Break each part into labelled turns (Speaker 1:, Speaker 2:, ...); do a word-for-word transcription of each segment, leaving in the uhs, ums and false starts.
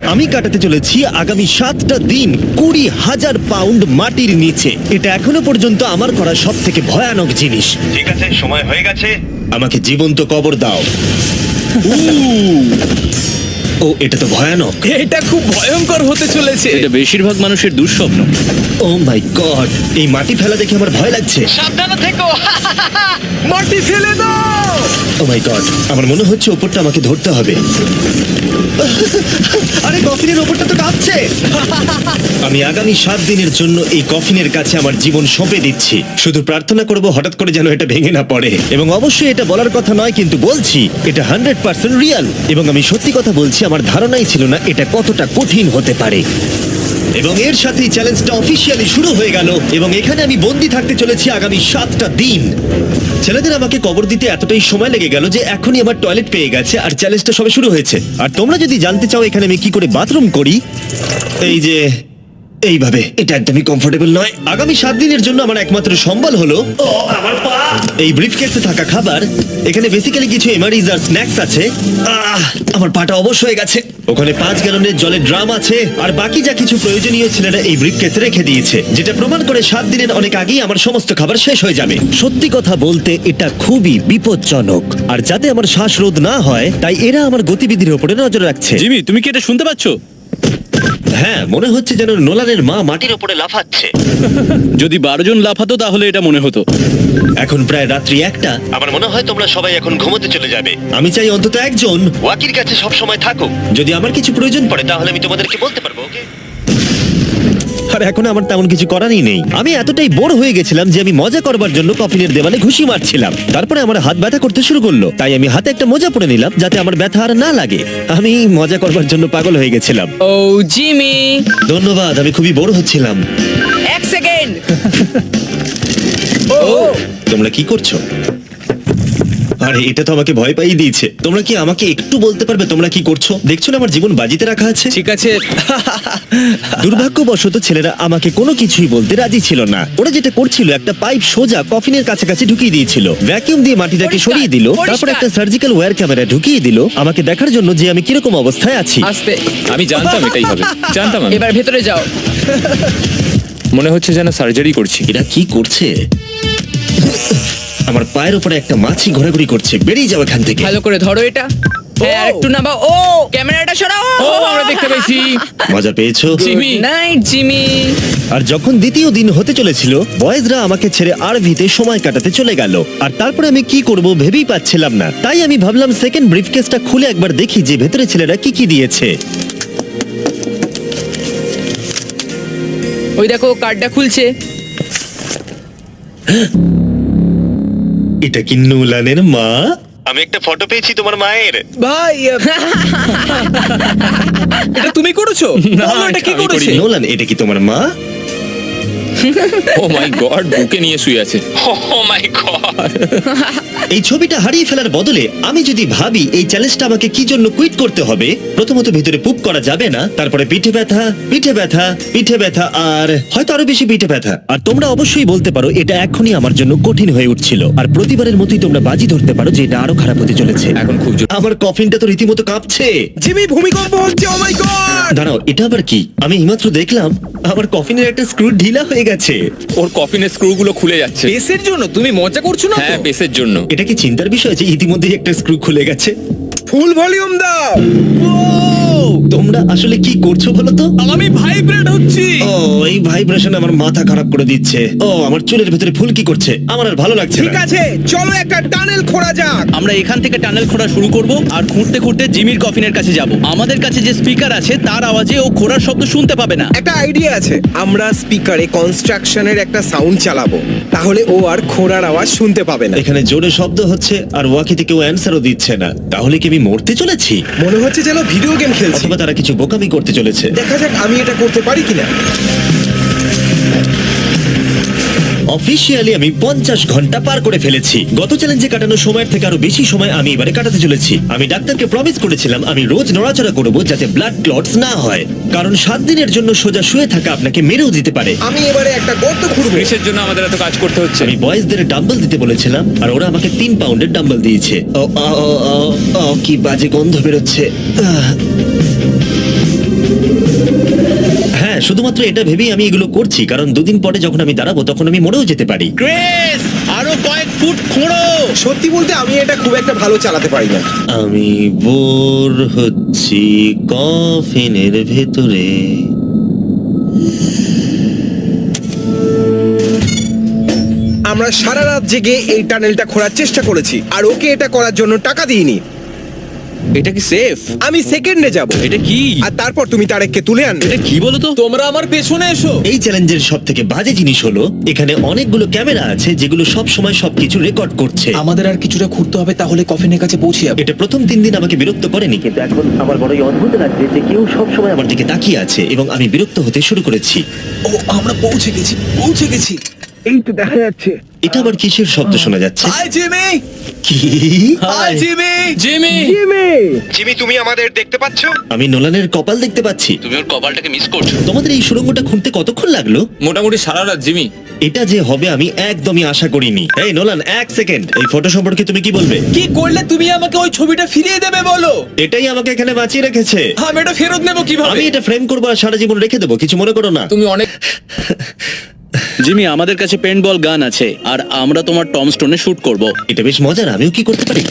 Speaker 1: আমি কাটাতে চলেছি আগামী সাতটা দিন কুড়ি হাজার পাউন্ড মাটির নিচে। এটা এখনো পর্যন্ত আমার করা সব থেকে ভয়ানক জিনিস। ঠিক আছে, সময় হয়ে গেছে, আমাকে জীবন্ত কবর দাও। ও, এটা তো ভয়ানক।
Speaker 2: এটা খুব ভয়ঙ্কর হতে চলেছে।
Speaker 3: এটা বেশিরভাগ মানুষের দুঃস্বপ্ন।
Speaker 1: ও মাই গড, এই মাটি ফেলা দেখে আমার ভয় লাগছে।
Speaker 4: সাবধানে থেকো।
Speaker 2: মাটি ফেলে দাও।
Speaker 1: ও মাই গড, আমার মনে হচ্ছে ওপরটা আমাকে ধরতে হবে। আরে কফিনের ওপরটা তো কাঁপছে। আমি আগামী সাত দিনের জন্য এই কফিনের কাছে আমার জীবন সঁপে দিচ্ছি। শুধু প্রার্থনা করব হঠাৎ করে যেন এটা ভেঙে না পড়ে। এবং অবশ্যই এটা বলার কথা নয়, কিন্তু বলছি এটা হান্ড্রেড পার্সেন্ট রিয়াল। এবং আমি সত্যি কথা বলছি, আমার ধারণাই ছিল না এটা কতটা কঠিন হতে পারে। এবং এর সাথেই চ্যালেঞ্জটা অফিসিয়ালি শুরু হয়ে গেল। এবং এখানে আমি বন্দি থাকতে চলেছি আগামী সাতটা দিন। ছেলেদের আমাকে কবর দিতে এতটাই সময় লেগে গেল যে এখনই আমার টয়লেট পেয়ে গেছে, আর চ্যালেঞ্জটা সবে শুরু হয়েছে। আর তোমরা যদি জানতে চাও এখানে আমি কি করে বাথরুম করি, এই যে এইভাবে, এটা একদমই কমফোর্টেবল নয়। আগামী সাত দিনের জন্য আমার একমাত্র সম্বল হলো ও, আমার পা। এই ব্রিফকেসে থাকা খাবার। এখানে বেসিক্যালি কিছু এমারিজ আর স্ন্যাক্স আছে। আহ, আমার পাটা অবশ হয়ে গেছে। ওখানে পাঁচ গ্যালনের জলের ড্রাম আছে, আর বাকি যা কিছু প্রয়োজনীয় ছেলেরা এই ব্রিফকেসে রেখে দিয়েছে, যেটা প্রমাণ করে সাত দিনের অনেক আগেই আমার সমস্ত খাবার শেষ হয়ে যাবে। সত্যি কথা বলতে এটা খুবই বিপজ্জনক, আর যাতে আমার শ্বাসরোধ না হয় তাই এরা আমার গতিবিধির উপরে নজর রাখছে।
Speaker 3: জিমি, তুমি কি এটা শুনতে পাচ্ছ?
Speaker 1: হ্যাঁ, মনে হচ্ছে যেন নোলানের মা মাটির উপরে লাফাচ্ছে।
Speaker 3: যদি বারো জন লাফাতো তাহলে এটা মনে হতো।
Speaker 1: এখন প্রায় রাত্রি একটা। আমার মনে হয় তোমরা সবাই এখন ঘুমোতে চলে যাবে। আমি চাই অন্তত একজন ওয়াকির কাছে সব সময় থাকুক। যদি আমার কিছু প্রয়োজন পড়ে তাহলে আমি তোমাদেরকে বলতে পারবো, ওকে? আর এখন আমার তেমন কিছু করারই নেই। আমি এতটাই বোর হয়ে গেছিলাম যে আমি মজা করবার জন্য কফিনের দেওয়ালে ঘুষি মারছিলাম। তারপরে আমার হাত ব্যথা করতে শুরু করলো, তাই আমি হাতে একটা মোজা পরে নিলাম যাতে আমার ব্যথা আর না লাগে। আমি মজা করবার জন্য পাগল হয়ে গেছিলাম।
Speaker 4: ও জিমি,
Speaker 1: ধন্যবাদ, আমি খুবই বোর হচ্ছিলাম।
Speaker 4: এক সেকেন্ড।
Speaker 2: ও
Speaker 1: তোমরা কি করছো? আরে এটা তো আমাকে ভয় পাইয়ে দিয়েছে। তোমরা কি আমাকে একটু বলতে পারবে তোমরা কি করছো? দেখছো না আমার জীবন বাজিতে রাখা আছে।
Speaker 2: ঠিক আছে।
Speaker 1: দুর্ভাগ্যবশত ছেলেরা আমাকে কোনো কিছুই বলতে রাজি ছিল না। ওরা যেটা করছিল, একটা পাইপ সোজা কফিনের কাছাকাছি ঢুকিয়ে দিয়েছিল, ভ্যাকিউম দিয়ে মাটিটাকে
Speaker 4: পরিষ্কার,
Speaker 1: সরিয়ে দিল,
Speaker 4: পরিষ্কার।
Speaker 1: তারপর একটা সার্জিক্যাল ওয়্যার ক্যামেরা ঢুকিয়ে দিল আমাকে দেখার জন্য যে আমি কিরকম অবস্থায় আছি।
Speaker 4: আস্তে,
Speaker 5: আমি জানতাম এটাই হবে, জানতাম আমি।
Speaker 4: এবার ভেতরে যাও।
Speaker 5: মনে হচ্ছে যেন সার্জারি করছি।
Speaker 1: এরা কি করছে? আমার পায়ের উপরে একটা মাছি ঘোরাঘুরি করছে। বেরিয়ে যাও এখান থেকে।
Speaker 4: ভালো করে ধরো এটা। হ্যাঁ, আর একটু নামাও। ও, ক্যামেরাটা সরাও।
Speaker 5: ও, আমরা দেখতে পেয়েছি।
Speaker 1: মজা পেয়েছো?
Speaker 5: জিমি।
Speaker 4: Night Jimmy.
Speaker 1: আর যখন দ্বিতীয় দিন হতে চলেছিল, বয়েজরা আমাকে ছেড়ে আরভিতে সময় কাটাতে চলে গেল। আর তারপরে আমি কি করব ভেবেই পাচ্ছিলাম না। তাই আমি ভাবলাম সেকেন্ড ব্রিফকেসটা খুলে একবার দেখি যে ভেতরে ছেলেরা কি কি দিয়েছে।
Speaker 4: ওই দেখো, কার্ডটা খুলছে।
Speaker 1: এটা কি নোলানের মা? আমি একটা ফটো পেয়েছি তোমার মায়ের।
Speaker 2: ভাই, এটা তুমি করেছো? বলো, এটা কি
Speaker 5: আমি
Speaker 2: করেছে?
Speaker 5: করিনি।
Speaker 1: নোলান, এটা কি তোমার মা?
Speaker 5: ও মাই গড, বুকে নিয়ে শুয়ে আছে।
Speaker 3: Oh my god.
Speaker 1: এই ছবিটা হারিয়ে ফেলার বদলে আমি যদি ভাবি এই চ্যালেঞ্জটা আমাকে কি জন্য কুইট করতে হবে, প্রথমত ভিতরে পুপ করা যাবে না, তারপরে পিঠে ব্যথা, পিঠে ব্যথা, পিঠে ব্যথা, আর হয়তো আরো বেশি পিঠে ব্যথা। আর তোমরা অবশ্যই বলতে পারো এটা এখনই আমার জন্য কঠিন হয়ে উঠছিল, আর প্রতিবারের মতোই তোমরা বাজি ধরতে পারো যে এটা আরো খারাপ হতে চলেছে।
Speaker 5: এখন খুব জোর।
Speaker 1: আমার কফিনটা তো রীতিমতো কাঁপছে।
Speaker 2: জিমি, ভূমিকম্প হচ্ছে। Oh my god!
Speaker 1: দাঁড়াও, এটা আবার কি? আমি এইমাত্র দেখলাম আমার কফিনের একটা স্ক্রু ঢিলা হয়ে গেছে।
Speaker 5: ওর কফিনের স্ক্রু গুলো খুলে যাচ্ছে।
Speaker 2: বেসের জন্য তুমি মজা করছো না তো?
Speaker 5: হ্যাঁ, বেসের জন্য।
Speaker 1: এটা কি চিন্তার বিষয় যে ইতিমধ্যেই একটা স্ক্রু খুলে গেছে?
Speaker 2: ফুল ভলিউম দাও।
Speaker 1: তোমরা আসলে কি করছো বলো তো?
Speaker 2: আমি ভাইব্রেট হচ্ছি।
Speaker 1: ও, এই ভাইব্রেশন আমার মাথা খারাপ করে দিচ্ছে। ও, আমার চুলের ভেতরে ফুল কি করছে? আমার আর ভালো লাগছে
Speaker 2: ঠিক
Speaker 1: না।
Speaker 2: আছে, চলো একটা টানেল খোঁড়া যাক।
Speaker 3: আমরা এখান থেকে টানেল খোঁড়া শুরু করব, আর খুঁড়তে খুঁড়তে জিমির কফিনের কাছে যাব। আমাদের কাছে যে স্পিকার আছে তার আওয়াজে ও খোঁড়ার শব্দ শুনতে পাবে না।
Speaker 2: একটা আইডিয়া আছে, আমরা স্পিকারে কনস্ট্রাকশনের একটা সাউন্ড চালাবো, তাহলে ও আর খোঁড়ার আওয়াজ শুনতে পাবে না।
Speaker 1: এখানে জোরে শব্দ হচ্ছে আর ওয়াকিতে কেউ অ্যান্সারও দিচ্ছে না। তাহলে কি আমি মরতে চলেছি?
Speaker 2: মনে হচ্ছে যেন ভিডিও গেম খেলছি।
Speaker 1: অথবা তারা কিছু বোকামি করতে চলেছে।
Speaker 2: দেখা যাক আমি এটা করতে পারি কিনা।
Speaker 1: অফিসিয়ালি আমি পঞ্চাশ ঘন্টা পার করে ফেলেছি। গত চ্যালেঞ্জে কাটানো সময়ের থেকে আরো বেশি সময় আমি এবারে কাটাতে চলেছি। আমি ডাক্তারকে প্রমিস করেছিলাম আমি রোজ নড়াচড়া করব যাতে ব্লাড ক্লটস না হয়, কারণ সাত দিনের জন্য সোজা শুয়ে থাকা আপনাকে মেরেও দিতে পারে।
Speaker 2: আমি এবারে একটা গর্ত খুঁড়বো।
Speaker 5: কিসের জন্য আমাদের এত কাজ করতে হচ্ছে?
Speaker 1: আমি বয়েজদের ডাম্বল দিতে বলেছিলাম আর ওরা আমাকে তিন পাউন্ডের ডাম্বল দিয়েছে। ও, ও, ও, ও, ও, কি বাজে গন্ধ বেরোচ্ছে। আহ। শুধুমাত্র এটা ভেবেই আমি এগুলো করছি, কারণ দুদিন পরে যখন আমি দাঁড়াবো তখন আমি মরেও যেতে পারি।
Speaker 3: ক্রেস আরো কয়েক ফুট খোঁড়ো।
Speaker 2: সত্যি বলতে আমি এটা খুব একটা ভালো চালাতে পারি না।
Speaker 1: আমি বোর হচ্ছি কফিনের ভেতরে।
Speaker 2: আমরা সারা রাত জেগে এই টানেলটা খোঁড়ার চেষ্টা করেছি আর ওকে এটা করার জন্য টাকা দিইনি।
Speaker 3: এটা কি সেফ?
Speaker 2: আমি সেকেন্ডে যাব
Speaker 3: এটা কি?
Speaker 2: আর তারপর তুমি তারেককে তুলে আনবে।
Speaker 3: এটা কি বলো তো?
Speaker 6: তোমরা আমার পেছনে এসো।
Speaker 1: এই চ্যালেঞ্জের সব থেকে বাজে জিনিস হলো এখানে অনেকগুলো ক্যামেরা আছে যেগুলো সব সময় সবকিছু রেকর্ড করছে।
Speaker 6: আমাদের আর কিছুটা ঘুরতে হবে, তাহলে কফিনের কাছে পৌঁছে যাবে।
Speaker 1: এটা প্রথম তিন দিন আমাকে বিরক্ত করেনি, কিন্তু এখন আমার বড়ই অদ্ভুত লাগছে যে কেউ সব সময় আমার দিকে তাকিয়ে আছে এবং আমি বিরক্ত হতে শুরু করেছি।
Speaker 6: ও আমরা পৌঁছে গেছি, পৌঁছে গেছি।
Speaker 2: এই তো দেখা যাচ্ছে।
Speaker 1: এটা আবার কিসের শব্দ শোনা যাচ্ছে?
Speaker 6: হাই জিমি,
Speaker 1: কি?
Speaker 6: Hi Jimmy.
Speaker 3: জিমি,
Speaker 2: জিমি তুমি আমাদের দেখতে পাচ্ছ?
Speaker 1: আমি নোলানের কপাল দেখতে পাচ্ছি।
Speaker 3: তুমি ওর কপালটাকে মিস করছো।
Speaker 1: তোমাদের এই সুড়ঙ্গটা খুঁড়তে কতক্ষণ লাগলো?
Speaker 5: মোটামুটি সারা রাত জিমি।
Speaker 1: এটা যে হবে আমি একদমই আশা করিনি। এই নোলান, এক সেকেন্ড, এই ফটো সম্পর্কে তুমি কি বলবে?
Speaker 6: কি করলে তুমি আমাকে ওই ছবিটা ফিরিয়ে দেবে বলো?
Speaker 1: এটাই আমাকে এখানে বাঁচিয়ে রেখেছে।
Speaker 6: আমি এটা ফেরত নেব কিভাবে?
Speaker 1: আমি এটা ফ্রেম করবো আর সারা জীবন রেখে দেবো, কিছু মনে করো না।
Speaker 5: তুমি অনেক
Speaker 3: জিমি, আমাদের কাছে পেন্টবল গান আছে আর আমরা তোমার টম স্টোনে শুট করব।
Speaker 1: এটা বেশ মজার, আমিও কি করতে পারি?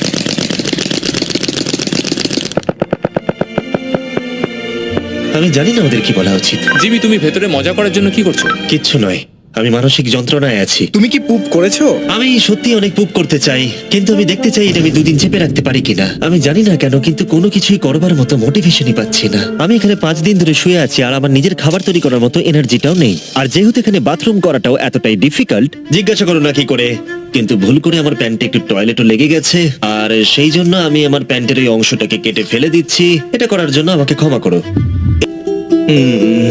Speaker 1: আমি জানি না ওদের কি বলা উচিত।
Speaker 5: জিমি, তুমি ভেতরে মজা করার জন্য কি করছো?
Speaker 1: কিচ্ছু নয়, আমি মানসিক যন্ত্রণায় আছি।
Speaker 2: তুমি কি পুপ করেছো?
Speaker 1: আমি সত্যি অনেক পুপ করতে চাই, কিন্তু আমি দেখতে চাই এটা আমি দুদিন চেপে রাখতে পারি কিনা। আমি জানি না কেন, কিন্তু কোনো কিছুই করবার মতো মোটিভেশনই পাচ্ছি না। আমি এখানে পাঁচ দিন ধরে শুয়ে আছি আর আমার নিজের খাবার তৈরি করার মতো এনার্জিটাও নেই। আর যেহেতু এখানে বাথরুম করাটাও এতটাই ডিফিকাল্ট, জিজ্ঞাসা করো না কি করে, কিন্তু ভুল করে আমার প্যান্টে একটু টয়লেটও লেগে গেছে আর সেই জন্য আমি আমার প্যান্টের ওই অংশটাকে কেটে ফেলে দিচ্ছি। এটা করার জন্য আমাকে ক্ষমা করো। উম,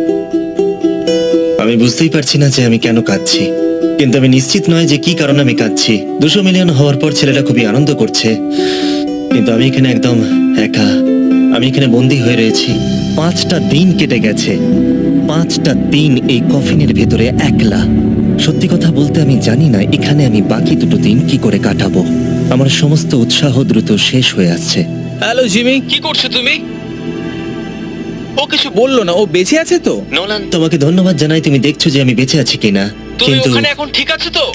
Speaker 1: আমি বুঝতেই পারছি না যে আমি কেন কাঁদছি, কিন্তু আমি নিশ্চিত নয় যে কি কারণে আমি কাঁদছি। দুশো মিলিয়ন হওয়ার পর ছেলেরা খুবই আনন্দ করছে, কিন্তু আমি এখানে একদম একা। আমি এখানে বন্দী হয়ে রয়েছি। পাঁচটা দিন কেটে গেছে, পাঁচটা দিন এই কফিনের ভেতরে একলা। সত্যি কথা বলতে আমি জানি না এখানে আমি বাকি দুটো দিন কি করে কাটাবো। আমার সমস্ত উৎসাহ দ্রুত শেষ হয়ে আসছে।
Speaker 6: হ্যালো জিমি, কি করছো তুমি? ও কিছু বললো না, ও বেঁচে আছে তো?
Speaker 1: নোলান, তোমাকে ধন্যবাদ জানাই, তুমি দেখছো যে আমি বেঁচে আছি কিনা। কিন্তু
Speaker 6: এখন ঠিক আছে তো?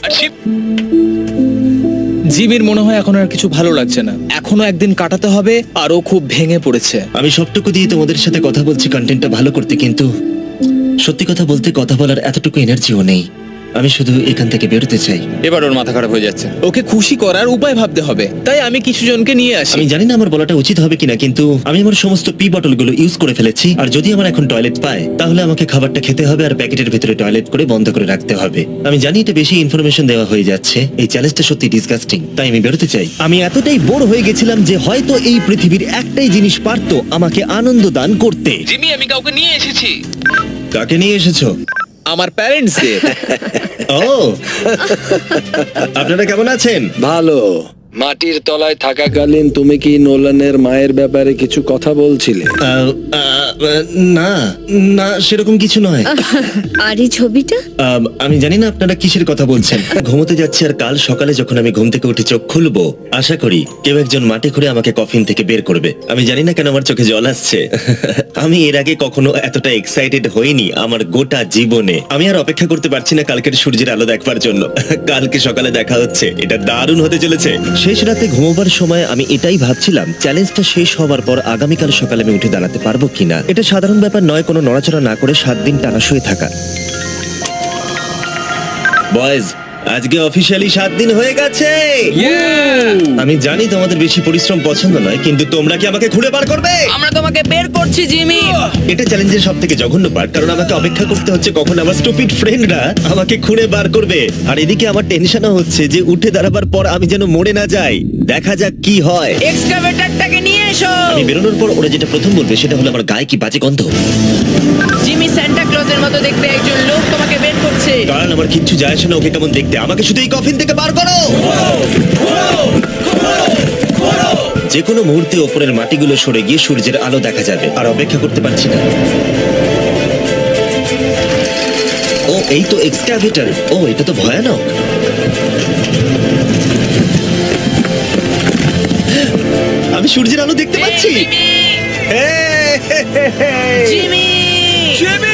Speaker 6: জিমির মনে হয় এখন আর কিছু ভালো লাগছে না। এখনো একদিন কাটাতে হবে আর ও খুব ভেঙে পড়েছে।
Speaker 1: আমি সবটুকু দিয়ে তোমাদের সাথে কথা বলছি কন্টেন্টটা ভালো করতে, কিন্তু সত্যি কথা বলতে কথা বলার এতটুকু এনার্জিও নেই। আমি শুধু এখান থেকে বেরোতে চাই।
Speaker 5: এবার ওর মাথা খারাপ হয়ে যাচ্ছে।
Speaker 6: ওকে খুশি করার উপায় ভাবতে হবে, তাই আমি কিছু জনকে নিয়ে আসি।
Speaker 1: আমি জানি না আমার বলাটা উচিত হবে কিনা, কিন্তু আমি আমার সমস্ত পি বটলগুলো ইউজ করে ফেলেছি। আর যদি আমার এখন টয়লেট পায় তাহলে আমাকে খাবারটা খেতে হবে আর প্যাকেটের ভেতরে টয়লেট করে বন্ধ করে রাখতে হবে। আমি জানি এটা বেশি ইনফরমেশন দেওয়া হয়ে যাচ্ছে, এই চ্যালেঞ্জটা সত্যি ডিসগাস্টিং, তাই আমি বেরোতে চাই। আমি এতটাই বোর হয়ে গেছিলাম যে হয়তো এই পৃথিবীর একটাই জিনিস পারতো আমাকে আনন্দ দান করতে।
Speaker 6: জিমি, আমি কাউকে নিয়ে এসেছি।
Speaker 1: কাকে নিয়ে এসেছো?
Speaker 6: আমার প্যারেন্টসদের।
Speaker 1: ও, আপনারা কেমন আছেন?
Speaker 7: ভালো। মাটির তলায় থাকাকালীন তুমি কি নোলানের মায়ের ব্যাপারে কিছু কথা বলছিলে?
Speaker 1: আহ, আহ, না না সেরকম কিছু নয়।
Speaker 8: আর এই ছবিটা?
Speaker 1: আম, আমি জানি না আপনারা কিসের কথা বলছেন। ঘুমোতে যাচ্ছি আর কাল সকালে যখন আমি ঘুম থেকে উঠে চোখ খুলবো আশা করি কেউ একজন মাটি খুঁড়ে আমাকে কফিন থেকে বের করবে। আমি জানি না কেন আমার চোখে জল আসছে। আমি এর আগে কখনো এতটা এক্সাইটেড হইনি আমার গোটা জীবনে। আমি আর অপেক্ষা করতে পারছি না কালকের সূর্যের আলো দেখবার জন্য। কালকে সকালে দেখা হচ্ছে, এটা দারুণ হতে চলেছে। শেষ রাতে ঘুমোবার সময় আমি এটাই ভাবছিলাম চ্যালেঞ্জটা শেষ হওয়ার পর আগামীকাল সকালে আমি উঠে দাঁড়াতে পারবো কিনা। এটা সাধারণ ব্যাপার নয় কোনো নড়াচড়া না করে সাত দিন টানা শুয়ে থাকা। বয়েজ, আজকে অফিসিয়ালি সাত দিন হয়ে গেছে। আমি জানি তোমাদের বেশি পরিশ্রম পছন্দ নয়, কিন্তু তোমরা কি আমাকে ঘুরে বার করবে?
Speaker 4: আমরা তোমাকে বের করছি জিমি।
Speaker 1: এটা চ্যালেঞ্জের সব থেকে জঘন্য পার্ট, কারণ আমাকে অপেক্ষা করতে হচ্ছে কখন আমার স্টুপিড ফ্রেন্ডরা আমাকে খুঁড়ে বার করবে। আর এদিকে আমার টেনশনও হচ্ছে যে উঠে দাঁড়াবার পর আমি যেন মরে না যাই। দেখা যাক কি হয়।
Speaker 4: এক্সকাভেটরটাকে নিয়ে এসো।
Speaker 1: আমি বেরোনোর পর ওরা যেটা প্রথম বলবে সেটা হলো আমার গায়ে কি বাজে গন্ধ।
Speaker 4: জিমি, সান্টা ক্লজের মতো দেখতে একজন লোক তোমাকে বের করছে।
Speaker 1: কারণ আমার কিচ্ছু যায় আসে না ওকে কেমন দেখতে, আমাকে শুধু এই কফিন থেকে বার করো। যে কোনো মুহূর্তে ওপরের মাটিগুলো সরে গিয়ে সূর্যের আলো দেখা যাবে, আর অপেক্ষা করতে পারছি না। ও, এই তো এক্সক্যাভেটর। ও, এটা তো ভয়ানক। আমি সূর্যের আলো দেখতে পাচ্ছি।
Speaker 4: Jimmy,
Speaker 1: hey, hey, hey, hey.
Speaker 4: Jimmy,
Speaker 6: Jimmy!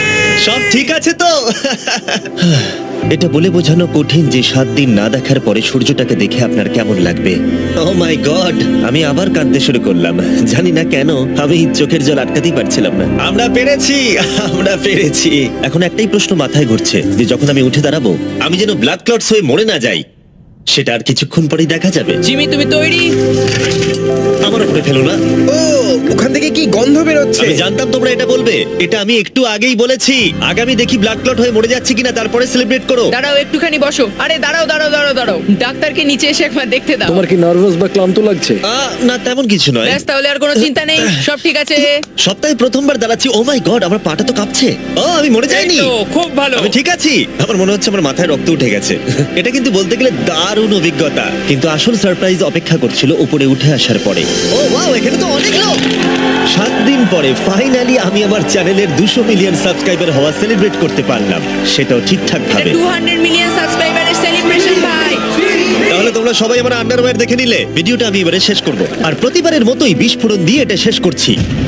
Speaker 1: সব ঠিক আছে তো? এটা বলে বোঝানো কঠিন যে সাত দিন না দেখার পরে সূর্যটাকে দেখে আপনার কেমন লাগবে। ও মাই গড, আমি আবার কাঁদতে শুরু করলাম। জানি না কেন, আমি চোখের জল আটকাতেই পারছিলাম না। আমরা পেরেছি, আমরা পেরেছি। এখন একটাই প্রশ্ন মাথায় ঘুরছে যে যখন আমি উঠে দাঁড়াবো আমি যেন ব্লাড ক্লটস হয়ে মরে না যাই। সেটা আর কিছুক্ষণ পরেই দেখা যাবে।
Speaker 4: জিমি তুমি তৈরি?
Speaker 1: আমার উপরে ফেলো না।
Speaker 2: ও ওখান থেকে কি গন্ধ বেরোচ্ছে?
Speaker 1: আমি জানতাম তোমরা এটা বলবে। এটা আমি একটু আগেই বলেছি। আগামী দেখি ব্লাড ক্লট হয়ে মরে যাচ্ছে কিনা, তারপরে সেলিব্রেট করো।
Speaker 4: দাঁড়াও একটুখানি বসো। আরে দাঁড়াও দাঁড়াও দাঁড়াও দাঁড়াও, ডাক্তারকে নিচে এসে একবার দেখতে দাও।
Speaker 7: তোমার কি নার্ভাস বা ক্লান্ত লাগছে?
Speaker 1: আহ, না তেমন কিছু নয়।
Speaker 4: ব্যাস তাহলে আর কোনো চিন্তা নেই, সব ঠিক আছে।
Speaker 1: সপ্তাহে প্রথমবার দাঁড়াচ্ছি। ও মাই গড, আমার পাটা তো কাঁপছে। ও আমি মরে যাইনি।
Speaker 6: এই তো, খুব ভালো।
Speaker 1: আমি ঠিক আছি। আমার মনে হচ্ছে আমার মাথায় রক্ত উঠে গেছে। এটা কিন্তু বলতে গেলে দারুণ অভিজ্ঞতা, কিন্তু আসল সারপ্রাইজ অপেক্ষা করছিল উপরে উঠে আসার পরে। ও ওয়াও, এখানে তো অনেক লোক। সাত দিন পরে ফাইনালি আমি আমার চ্যানেলের দুশো মিলিয়ন সাবস্ক্রাইবার হওয়া সেলিব্রেট করতে পারলাম, সেটাও ঠিকঠাক
Speaker 4: এটা
Speaker 1: ভাবে।
Speaker 4: টু হান্ড্রেড মিলিয়ন সাবস্ক্রাইবারের সেলিব্রেশন ভাই।
Speaker 1: তাহলে তোমরা সবাই আমার আন্ডারওয়্যার দেখে নিলে। ভিডিওটা আমি এবারে শেষ করব, আর প্রতিবারের মতোই বিস্ফোরণ দিয়ে এটা শেষ করছি।